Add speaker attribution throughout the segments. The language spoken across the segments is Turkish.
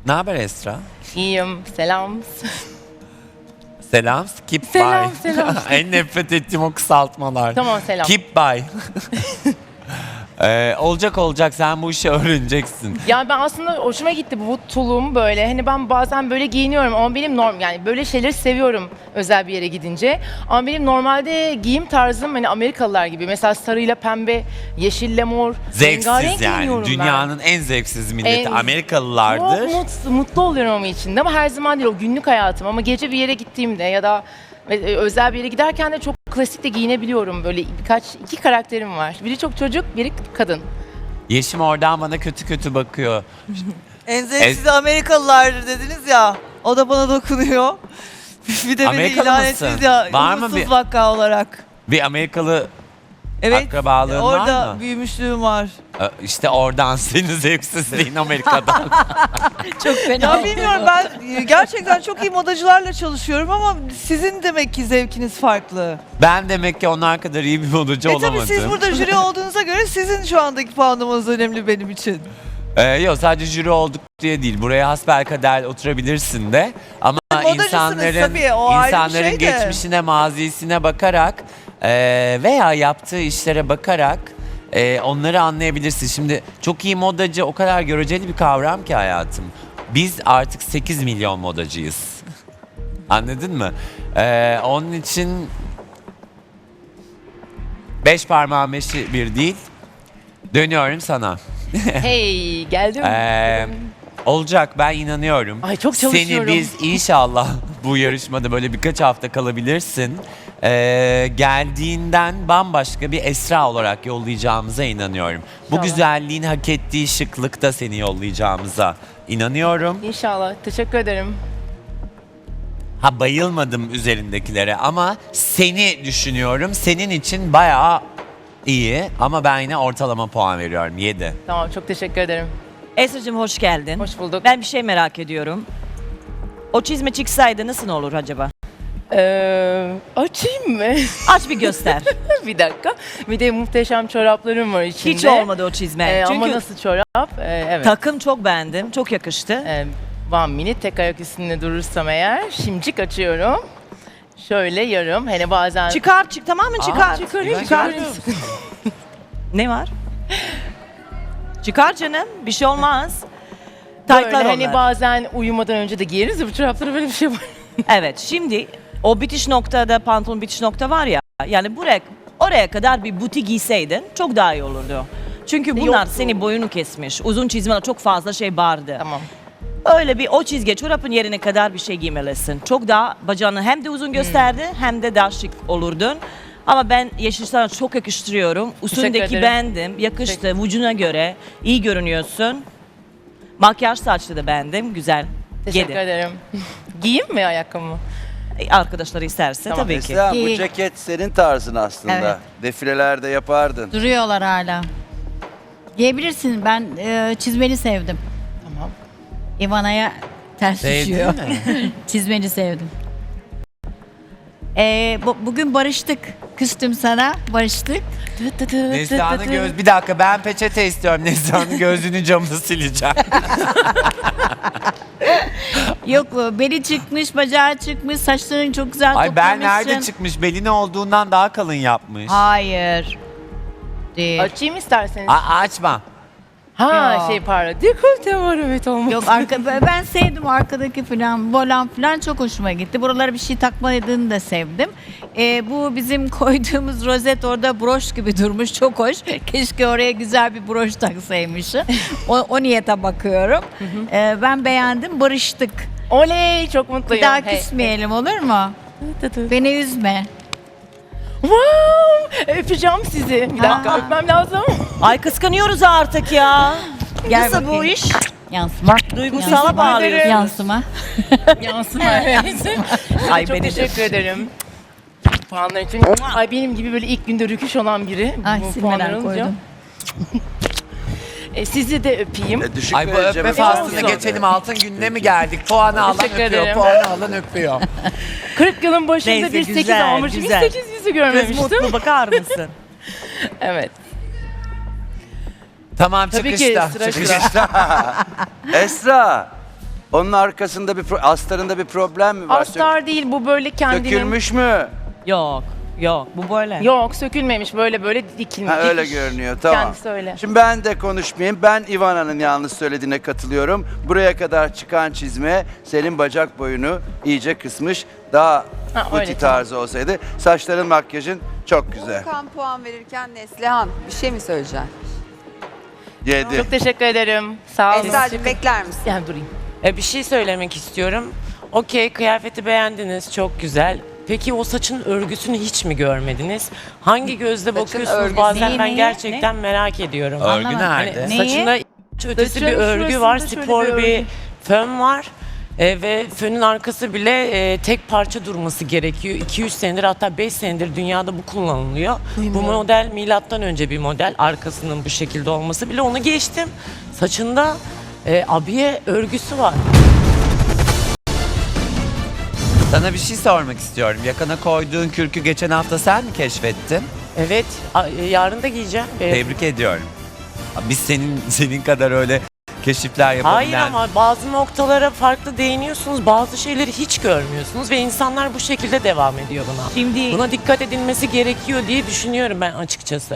Speaker 1: Ne haber Esra?
Speaker 2: İyiyim. Selam.
Speaker 1: Selam. Keep
Speaker 2: Selam,
Speaker 1: by.
Speaker 2: selam.
Speaker 1: En nefret ettiğim o kısaltmalar.
Speaker 2: Tamam, selam.
Speaker 1: Keep by. Olacak sen bu işi öğreneceksin.
Speaker 2: Ya ben aslında hoşuma gitti bu tulum böyle. Hani ben bazen böyle giyiniyorum ama benim yani böyle şeyleri seviyorum özel bir yere gidince. Ama benim normalde giyim tarzım hani Amerikalılar gibi. Mesela sarıyla pembe, yeşille mor. rengarenk
Speaker 1: Zevksiz yani.
Speaker 2: giyiniyorum ben.
Speaker 1: Dünyanın en zevksiz milleti
Speaker 2: En-
Speaker 1: Amerikalılardır.
Speaker 2: Çok mutlu oluyorum ama içinde ama her zaman değil, o günlük hayatım. Ama gece bir yere gittiğimde ya da özel bir yere giderken de çok klasik de giyinebiliyorum. Böyle iki karakterim var. Biri çok çocuk, biri kadın.
Speaker 1: Yeşim oradan bana kötü kötü bakıyor.
Speaker 3: En zevksiz Amerikalılar dediniz ya. O da bana dokunuyor. Bir de beni
Speaker 1: Amerikalı
Speaker 3: ilan
Speaker 1: mısın?
Speaker 3: ettiniz ya.
Speaker 1: Var mı
Speaker 3: umutsuz
Speaker 1: bir-
Speaker 3: vaka olarak.
Speaker 1: Bir Amerikalı
Speaker 3: Evet.
Speaker 1: akrabalığın
Speaker 3: Orada
Speaker 1: var mı?
Speaker 3: büyümüşlüğüm var.
Speaker 1: İşte oradan senin zevksizliğin Amerika'dan.
Speaker 4: Çok fena.
Speaker 3: Ya bilmiyorum, ben gerçekten çok iyi modacılarla çalışıyorum ama sizin demek ki zevkiniz farklı.
Speaker 1: Ben demek ki onlar kadar iyi bir modacı
Speaker 3: Tabii
Speaker 1: olamadım.
Speaker 3: siz burada jüri olduğunuza göre sizin şu andaki puanlamanız önemli benim için.
Speaker 1: Yok sadece jüri olduk diye değil. Buraya hasbelkader oturabilirsin de. Ama
Speaker 3: Modacısınız tabii, o ayrı bir
Speaker 1: insanların
Speaker 3: şey de.
Speaker 1: geçmişine, mazisine bakarak veya yaptığı işlere bakarak onları anlayabilirsin. Şimdi çok iyi modacı o kadar göreceli bir kavram ki hayatım. Biz artık 8 milyon modacıyız. Anladın mı? Onun için 5 parmağın beşi bir değil. Dönüyorum sana.
Speaker 2: Hey, geldim.
Speaker 1: Olacak, ben inanıyorum.
Speaker 2: Ay, çok çalışıyorum.
Speaker 1: Seni biz inşallah bu yarışmada böyle birkaç hafta kalabilirsin. Geldiğinden bambaşka bir Esra olarak yollayacağımıza inanıyorum. Bu
Speaker 2: İnşallah.
Speaker 1: güzelliğin hak ettiği şıklıkta seni yollayacağımıza inanıyorum.
Speaker 2: İnşallah. Teşekkür ederim.
Speaker 1: Ha, bayılmadım üzerindekilere ama seni düşünüyorum. Senin için bayağı iyi ama ben yine ortalama puan veriyorum. 7.
Speaker 2: Tamam, çok teşekkür ederim.
Speaker 4: Esra'cığım hoş geldin.
Speaker 2: Hoş bulduk.
Speaker 4: Ben bir şey merak ediyorum. O çizme çıksaydı nasıl olur acaba?
Speaker 2: Açayım mı?
Speaker 4: Aç bir göster.
Speaker 2: Bir dakika. Bir de muhteşem çoraplarım var içinde.
Speaker 4: Hiç olmadı o çizme.
Speaker 2: Ama
Speaker 4: Çünkü
Speaker 2: nasıl çorap? Evet.
Speaker 4: takım çok beğendim. Çok yakıştı.
Speaker 2: One minute tek ayak üstünde durursam eğer şimcik açıyorum. Şöyle yarım. Hani bazen...
Speaker 4: Çıkar, tamamen çıkar.
Speaker 2: Çıkarayım,
Speaker 1: Ben
Speaker 2: çıkarayım.
Speaker 4: Ne var? Çıkar canım. Bir şey olmaz.
Speaker 2: Böyle
Speaker 4: Taytlar
Speaker 2: hani
Speaker 4: onlar.
Speaker 2: bazen uyumadan önce de giyeriz ya bu çoraplara, böyle bir şey var.
Speaker 4: Evet, şimdi o bitiş noktada, pantolon bitiş nokta var ya. Yani oraya kadar bir buti giyseydin çok daha iyi olurdu. Çünkü bunlar
Speaker 2: Yoktu.
Speaker 4: senin boyunu kesmiş. Uzun çizmeler çok fazla şey vardı.
Speaker 2: Tamam.
Speaker 4: Öyle bir o çizgi çorapın yerine kadar bir şey giymelisin. Çok daha bacağını hem de uzun gösterdi hem de daha şık olurdun. Ama ben yeşil sana çok yakıştırıyorum. Üstündeki
Speaker 2: ederim.
Speaker 4: beğendim. Yakıştı vücuduna göre. İyi görünüyorsun. Makyaj saçlı da beğendim. Güzel.
Speaker 2: Teşekkür
Speaker 4: Yedi.
Speaker 2: ederim. Giyeyim mi ayakkabımı?
Speaker 4: Arkadaşları isterse
Speaker 2: Tamam.
Speaker 4: tabii ki.
Speaker 5: Esra, bu
Speaker 6: İyi.
Speaker 5: ceket senin tarzın aslında.
Speaker 6: Evet.
Speaker 5: Defilelerde yapardın.
Speaker 6: Duruyorlar hala. Giyebilirsin. Ben çizmeni sevdim.
Speaker 2: Tamam.
Speaker 6: Ivana'ya ters
Speaker 1: Sevdin
Speaker 6: düşüyor.
Speaker 1: mi?
Speaker 6: Çizmeni sevdim. Bugün barıştık. Küstüm sana. Barıştık.
Speaker 1: Neslihan'ın göz... Bir dakika, ben peçete istiyorum. Neslihan'ın gözünün camını sileceğim.
Speaker 6: Yok, beli çıkmış, bacağı çıkmış, saçların çok güzel
Speaker 1: Ay, ben
Speaker 6: toplamışsın.
Speaker 1: nerede çıkmış? Belini olduğundan daha kalın yapmış.
Speaker 6: Hayır. Değil.
Speaker 2: Açayım isterseniz.
Speaker 1: Açma.
Speaker 2: Ha
Speaker 6: Yok.
Speaker 2: pardon. Dekolte var, evet, olmaz.
Speaker 6: Yok, ben sevdim arkadaki falan, volan falan çok hoşuma gitti. Buralara bir şey takmadığını da sevdim. Bu bizim koyduğumuz rozet orada broş gibi durmuş, çok hoş. Keşke oraya güzel bir broş taksaymışım. O niyete bakıyorum. Ben beğendim, barıştık.
Speaker 2: Oley, çok
Speaker 6: Bir
Speaker 2: mutluyum.
Speaker 6: daha
Speaker 2: Hey.
Speaker 6: küsmeyelim, olur mu? Beni üzme.
Speaker 2: Wow! Öpeceğim sizi. Bir dakika,
Speaker 6: Aa.
Speaker 2: öpmem lazım.
Speaker 4: Ay kıskanıyoruz artık ya.
Speaker 6: Gel
Speaker 4: Nasıl bu
Speaker 6: bakayım.
Speaker 4: iş?
Speaker 6: Yansıma.
Speaker 4: Duygusala bağlıyorsun.
Speaker 6: Yansıma.
Speaker 2: Yansıma, evet.
Speaker 4: Ay
Speaker 2: Çok
Speaker 4: beni de.
Speaker 2: teşekkür ederim. Puanlar için. Ay, benim gibi böyle ilk günde rüküş olan biri.
Speaker 6: Ay,
Speaker 2: bu
Speaker 6: silmeden
Speaker 2: puanları alınca.
Speaker 6: koydum.
Speaker 2: Sizi de öpeyim.
Speaker 5: Düşük
Speaker 1: Ay, bu
Speaker 5: vereceğim.
Speaker 1: öpme faslına
Speaker 2: olsun.
Speaker 1: geçelim. Altın gününe mi geldik? Puanı alan
Speaker 2: Teşekkür
Speaker 1: öpüyor,
Speaker 2: ederim.
Speaker 1: puanı alan öpüyor.
Speaker 2: 40 yılın başında
Speaker 4: Neyse,
Speaker 2: bir 8
Speaker 4: güzel,
Speaker 2: almışım. Hiç
Speaker 4: güzel.
Speaker 2: 8 yüzü
Speaker 4: Kız
Speaker 2: görmemiştim.
Speaker 4: mutlu, bakar mısın?
Speaker 2: Evet.
Speaker 1: Tamam,
Speaker 2: Tabii ki,
Speaker 1: çıkışta.
Speaker 2: sıra
Speaker 1: çıkışta.
Speaker 5: Esra, Onun arkasında astarında bir problem mi var?
Speaker 2: Astar değil, bu böyle kendinin...
Speaker 5: Sökülmüş mü?
Speaker 4: Yok. Yok. Bu böyle.
Speaker 2: Yok, sökülmemiş, böyle dikilmiş.
Speaker 5: Ha, öyle görünüyor, tamam.
Speaker 2: Kendisi öyle.
Speaker 5: Şimdi ben de konuşmayayım. Ben Ivana'nın yanlış söylediğine katılıyorum. Buraya kadar çıkan çizme senin bacak boyunu iyice kısmış. Daha
Speaker 2: Ha,
Speaker 5: buti
Speaker 2: öyle,
Speaker 5: tarzı olsaydı. Saçların, makyajın çok güzel.
Speaker 7: Volkan puan verirken Neslihan bir şey mi söyleyeceksin?
Speaker 5: 7.
Speaker 2: Çok teşekkür ederim. Sağ olun.
Speaker 7: Esra'cığım bekler misin?
Speaker 2: Yani durayım.
Speaker 8: Bir şey söylemek istiyorum. Okey, kıyafeti beğendiniz, çok güzel. Peki o saçın örgüsünü hiç mi görmediniz? Hangi gözle bakıyorsunuz?
Speaker 7: örgüsü.
Speaker 8: Bazen ben
Speaker 6: Neyi?
Speaker 8: gerçekten merak ediyorum.
Speaker 1: Örgü
Speaker 6: Anlamadım.
Speaker 1: nerede?
Speaker 8: Hani
Speaker 6: Neyi?
Speaker 8: saçında ötesi
Speaker 2: Saçın
Speaker 8: bir örgü var,
Speaker 2: şurasında şöyle
Speaker 8: spor
Speaker 2: bir
Speaker 8: bir
Speaker 2: örgü.
Speaker 8: fön var. Ve fönün arkası bile tek parça durması gerekiyor. 2-3 senedir, hatta 5 senedir dünyada bu kullanılıyor. Bu model milattan önce bir model. Arkasının bu şekilde olması bile, onu geçtim. Saçında abiye örgüsü var.
Speaker 1: Sana bir şey sormak istiyorum. Yakana koyduğun kürkü geçen hafta sen mi keşfettin?
Speaker 8: Evet, yarın da giyeceğim.
Speaker 1: Tebrik ediyorum. Biz senin kadar öyle keşifler yapabilen...
Speaker 8: Hayır, ama bazı noktalara farklı değiniyorsunuz, bazı şeyleri hiç görmüyorsunuz ve insanlar bu şekilde devam ediyor buna.
Speaker 4: Şimdi
Speaker 8: Buna dikkat edilmesi gerekiyor diye düşünüyorum ben açıkçası.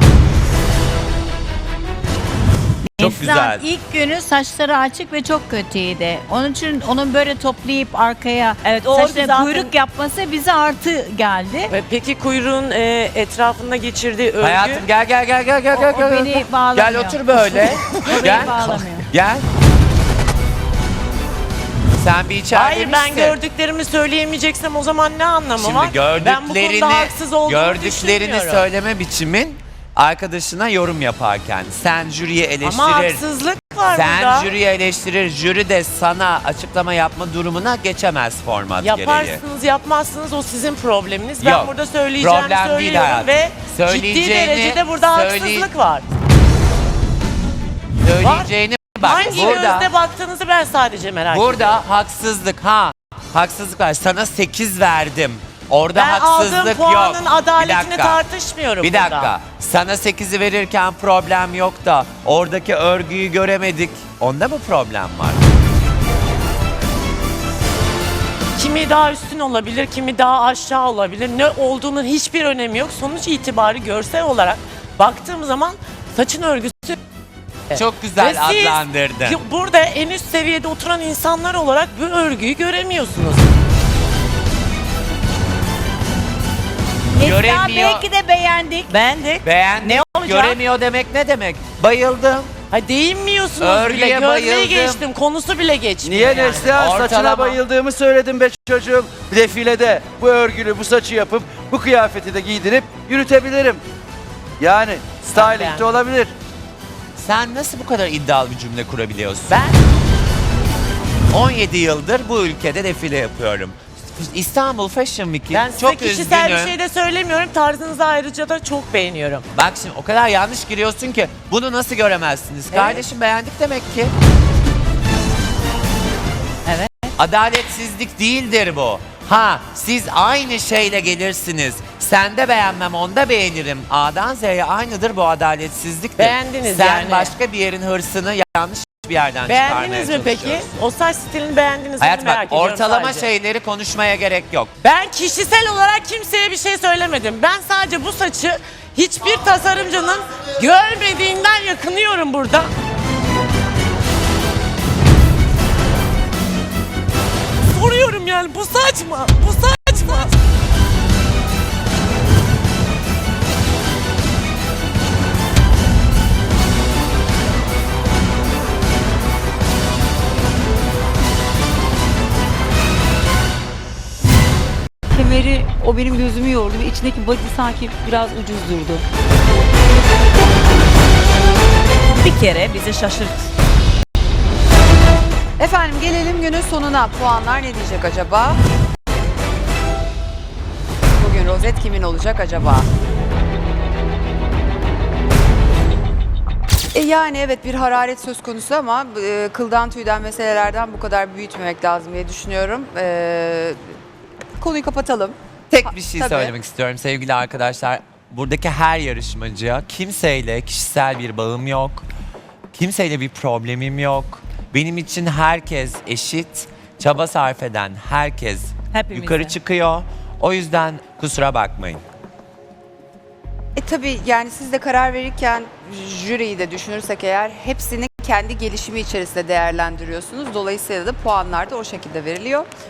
Speaker 1: Çok
Speaker 6: Neslihan
Speaker 1: güzel.
Speaker 6: ilk günü saçları açık ve çok kötüydü. Onun için onun böyle toplayıp arkaya
Speaker 4: Evet, o
Speaker 6: saçına
Speaker 4: zaten-
Speaker 6: kuyruk yapması bize artı geldi.
Speaker 8: Ve peki kuyruğun etrafında geçirdiği örgü...
Speaker 1: Hayatım gel.
Speaker 6: O beni bağlamıyor.
Speaker 1: Gel otur böyle.
Speaker 6: O
Speaker 1: Gel.
Speaker 6: beni bağlamıyor.
Speaker 1: Gel. Sen bir içeride
Speaker 8: Hayır, ben
Speaker 1: misin?
Speaker 8: gördüklerimi söyleyemeyeceksem o zaman ne anlamı var?
Speaker 1: Şimdi
Speaker 8: Ben bu konuda haksız olduğumu
Speaker 1: gördüklerini
Speaker 8: düşünmüyorum.
Speaker 1: söyleme biçimin arkadaşına yorum yaparken sen jüriye eleştirir.
Speaker 8: Ama haksızlık var
Speaker 1: Sen
Speaker 8: burada.
Speaker 1: jüriye eleştirir, jüri de sana açıklama yapma durumuna geçemez format gereği.
Speaker 8: Yaparsınız yapmazsınız, o sizin probleminiz. Ben
Speaker 1: Yok,
Speaker 8: burada söyleyeceğimi
Speaker 1: problem değil
Speaker 8: söylüyorum
Speaker 1: hayatım.
Speaker 8: ve ciddi
Speaker 1: Söyleyeceğini-
Speaker 8: derecede burada haksızlık var.
Speaker 1: Söyleyeceğini bak
Speaker 8: Hangi
Speaker 1: burada.
Speaker 8: gözle baktığınızı ben sadece merak ediyorum.
Speaker 1: Burada haksızlık var. Sana 8 verdim. Orada
Speaker 8: Ben aldığım
Speaker 1: haksızlık
Speaker 8: puanın
Speaker 1: yok.
Speaker 8: adaletini
Speaker 1: Bir dakika.
Speaker 8: tartışmıyorum
Speaker 1: Bir
Speaker 8: burada.
Speaker 1: dakika. Sana 8'i verirken problem yok da oradaki örgüyü göremedik. Onda mı problem var?
Speaker 8: Kimi daha üstün olabilir, kimi daha aşağı olabilir. Ne olduğunun hiçbir önemi yok. Sonuç itibarı görsel olarak baktığım zaman saçın örgüsü...
Speaker 1: Çok güzel
Speaker 8: Ve siz
Speaker 1: adlandırdın.
Speaker 8: burada en üst seviyede oturan insanlar olarak bu örgüyü göremiyorsunuz.
Speaker 6: Neslihan
Speaker 1: Göremiyor.
Speaker 6: belki de beğendik.
Speaker 4: beğendik.
Speaker 1: Beğendim.
Speaker 8: Ne olacak?
Speaker 1: Göremiyor demek ne demek? Bayıldım.
Speaker 8: Ha, değinmiyorsunuz
Speaker 1: Örgüye
Speaker 8: bile. Görmeyi
Speaker 1: bayıldım.
Speaker 8: geçtim. Konusu bile geçmiyor.
Speaker 5: Niye
Speaker 8: yani.
Speaker 5: Neslihan? Saçına
Speaker 1: Ortalama.
Speaker 5: bayıldığımı söyledim be çocuğum. Defilede bu örgülü, bu saçı yapıp bu kıyafeti de giydirip yürütebilirim. Yani styling de
Speaker 8: beğendim.
Speaker 5: olabilir.
Speaker 1: Sen nasıl bu kadar iddialı bir cümle kurabiliyorsun?
Speaker 8: Ben
Speaker 1: 17 yıldır bu ülkede defile yapıyorum. İstanbul Fashion Week'i
Speaker 8: Ben size
Speaker 1: çok
Speaker 8: kişisel
Speaker 1: üzgünüm.
Speaker 8: bir şey de söylemiyorum. Tarzınızı ayrıca da çok beğeniyorum.
Speaker 1: Bak şimdi o kadar yanlış giriyorsun ki bunu nasıl göremezsiniz? Kardeşim beğendik demek ki.
Speaker 6: Evet.
Speaker 1: Adaletsizlik değildir bu. Ha siz aynı şeyle gelirsiniz. Sende beğenmem onda beğenirim. A'dan Z'ye aynıdır bu adaletsizliktir.
Speaker 8: Beğendiniz
Speaker 1: Sen
Speaker 8: yani.
Speaker 1: başka bir yerin hırsını yanlış bir yerden çıkarmaya
Speaker 8: Beğendiniz mi peki?
Speaker 1: çalışıyorsun.
Speaker 8: O saç stilini beğendiniz mi?
Speaker 1: Hayat
Speaker 8: Merak
Speaker 1: bak
Speaker 8: ediyorum
Speaker 1: ortalama
Speaker 8: sadece.
Speaker 1: şeyleri konuşmaya gerek yok.
Speaker 8: Ben kişisel olarak kimseye bir şey söylemedim. Ben sadece bu saçı hiçbir tasarımcının görmediğinden yakınıyorum burada. Soruyorum yani, bu saç mı? Bu saç mı?
Speaker 7: Kemeri o benim gözümü yordu ve içindeki body sanki biraz ucuz durdu.
Speaker 4: Bir kere bizi şaşırt.
Speaker 7: Efendim gelelim günün sonuna. Puanlar ne diyecek acaba? Bugün rozet kimin olacak acaba? Yani evet bir hararet söz konusu ama kıldan tüyden meselelerden bu kadar büyütmemek lazım diye düşünüyorum. Konuyu kapatalım.
Speaker 1: Tek bir şey
Speaker 7: Tabii.
Speaker 1: söylemek istiyorum sevgili arkadaşlar. Buradaki her yarışmacıya kimseyle kişisel bir bağım yok. Kimseyle bir problemim yok. Benim için herkes eşit, çaba sarf eden herkes
Speaker 4: Hepimize.
Speaker 1: yukarı çıkıyor. O yüzden kusura bakmayın.
Speaker 7: Tabii yani siz de karar verirken jüriyi de düşünürsek eğer hepsini kendi gelişimi içerisinde değerlendiriyorsunuz. Dolayısıyla da puanlar da o şekilde veriliyor.